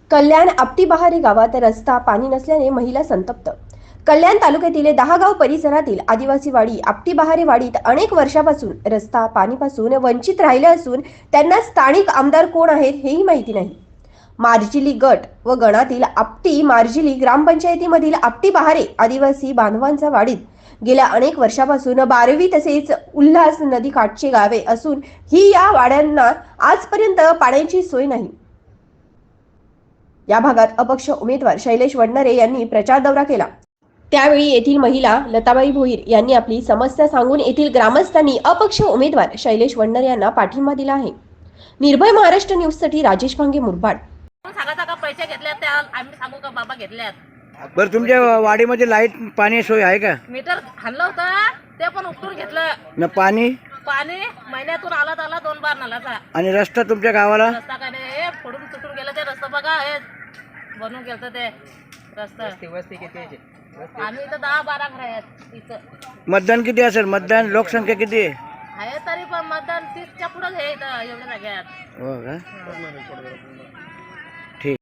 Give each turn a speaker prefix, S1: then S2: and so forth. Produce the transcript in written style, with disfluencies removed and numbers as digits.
S1: कल्याण आपटी बहारे गावात रस्ता पाणी नसल्याने महिला संतप्त। कल्याण तालुक्यातील 10 गाव परिसरातील आदिवासी वाडी आपटी बहारे वाडीत अनेक वर्षापासून रस्ता पाणीपासून वंचित राहिले असून त्यांना स्थानिक आमदार कोण आहेत हेही माहिती नाही। मार्जिली गट व गणातील आपटी मार्जिली ग्रामपंचायतीमधील आपटी बहारे आदिवासी बांधवांच्या वाडीत गेल्या अनेक वर्षापासून 12वी तसेच उल्हास नदी काठचे गावे असून ही या वाड्यांना आजपर्यंत पाण्याची सोय नाही। या भागात अपक्ष उमेदवार शैलेश वडनरे यांनी प्रचार दौरा केला। त्यावेळी येथील महिला लताबाई भोईर यांनी आपली समस्या सांगून येथील ग्रामस्थांनी अपक्ष उमेदवार शैलेश वडनरे यांना पाठिंबा दिला आहे। निर्भय महाराष्ट्र न्यूज साठी राजेश भांगे, मुरबाड।
S2: सांगा पैसे घेतले त्या आम्ही सांगू का बाबा घेतल्यात।
S3: बरं, तुमच्या वाडीमध्ये लाईट पाणी सोय आहे का?
S2: मीटर खाल्लं होतं ते पण उपटून घेतलं
S3: न पाणी
S2: महिन्यातून आला 2 बार नळाचा।
S3: आणि रस्ता तुमच्या गावाला
S2: रस्ता काय नाही, हे फोडून तुटून गेलं ते रस्ता बघा, हे बनवून गेलं ते रस्ता। आम्ही इथं 10-12 घर आहेत इथं।
S3: मतदान किती असेल? मतदान लोकसंख्या किती आहे?
S2: तरी पण मतदान 30च्या पुढेच आहे इथं एवढ्या जाग्यात।
S3: हो का?